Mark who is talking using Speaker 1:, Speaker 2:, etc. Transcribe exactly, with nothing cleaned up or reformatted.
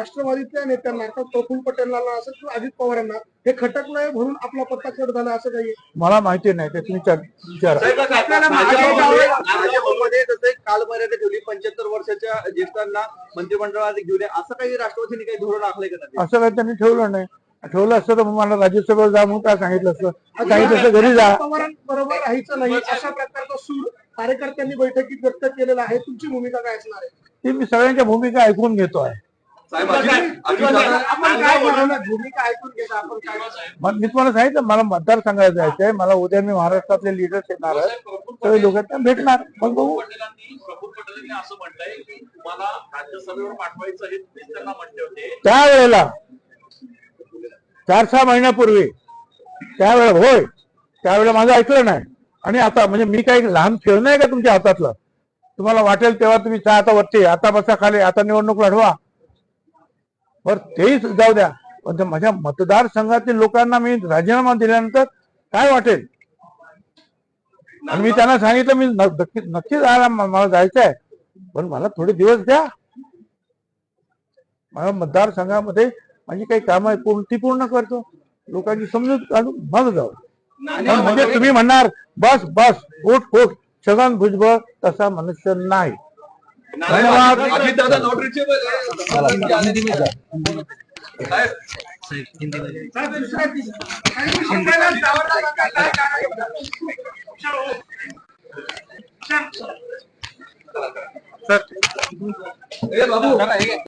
Speaker 1: राष्ट्रवादीतल्या नेत्यांना अर्थात प्रफुल्ल पटेलांना असं किंवा अजित पवारांना हे खटकलंय म्हणून आपला पत्ता कट झाला असं काही
Speaker 2: मला माहिती नाही ते तुम्ही विचारा।
Speaker 3: भाजपमध्ये जसे कालमर्यादा ठेवली पंच्याहत्तर वर्षाच्या ज्येष्ठांना मंत्रिमंडळात घेऊन असं काही राष्ट्रवादीने काही धोरण आखलंय का?
Speaker 2: असं काही त्यांनी ठेवलं नाही। ठेवलं असतं तर मला राज्यसभेवर जा म्हणून काय सांगितलं असतं। सांगितलं घरी जा।
Speaker 1: पवारांबरोबर राहायचं नाही अशा प्रकारचा सूर कार्यकर्त्यांनी बैठकीत व्यक्त केलेला आहे। तुमची भूमिका काय असणार आहे?
Speaker 2: ती मी सगळ्यांच्या भूमिका ऐकून घेतोय।
Speaker 1: आपण काय बोलवलं भूमिका ऐकून घेता आपण काय?
Speaker 2: मी तुम्हाला सांगितलं मला मतदारसंघात जायचंय। मला उद्या मी महाराष्ट्रातले लीडर्स येणार आहेत, सगळे लोक त्यांना भेटणार। मग बघू।
Speaker 4: प्रफुल्ल पटेलांनी असं म्हटलंय की तुम्हाला राज्यसभेवर पाठवायचं हे तुम्ही त्यांना म्हटले होते
Speaker 2: त्यावेळेला चार सहा महिन्यापूर्वी त्यावेळेला होय त्यावेळेला माझं ऐकलं नाही। आणि आता म्हणजे मी काही लहान खेळ नाही का तुमच्या हातातलं? तुम्हाला वाटेल तेव्हा तुम्ही चहा आता वरती आता बसा खाली आता निवडणूक लढवा बर तेही जाऊ द्या। पण माझ्या मतदारसंघातील लोकांना मी राजीनामा दिल्यानंतर काय वाटेल? आणि मी त्यांना सांगितलं मी नक्की नक्की जायला मला जायचंय पण मला थोडे दिवस द्या। माझ्या मतदारसंघामध्ये माझी काही कामं आहे पूर्ण ती पूर्ण करतो। लोकांची समजूत काढून मग जाऊ। म्हणजे तुम्ही म्हणणार बस बस उठ उठ छगन भुजबळ तसा मनुष्य नाही। धन्यवाद।
Speaker 3: सर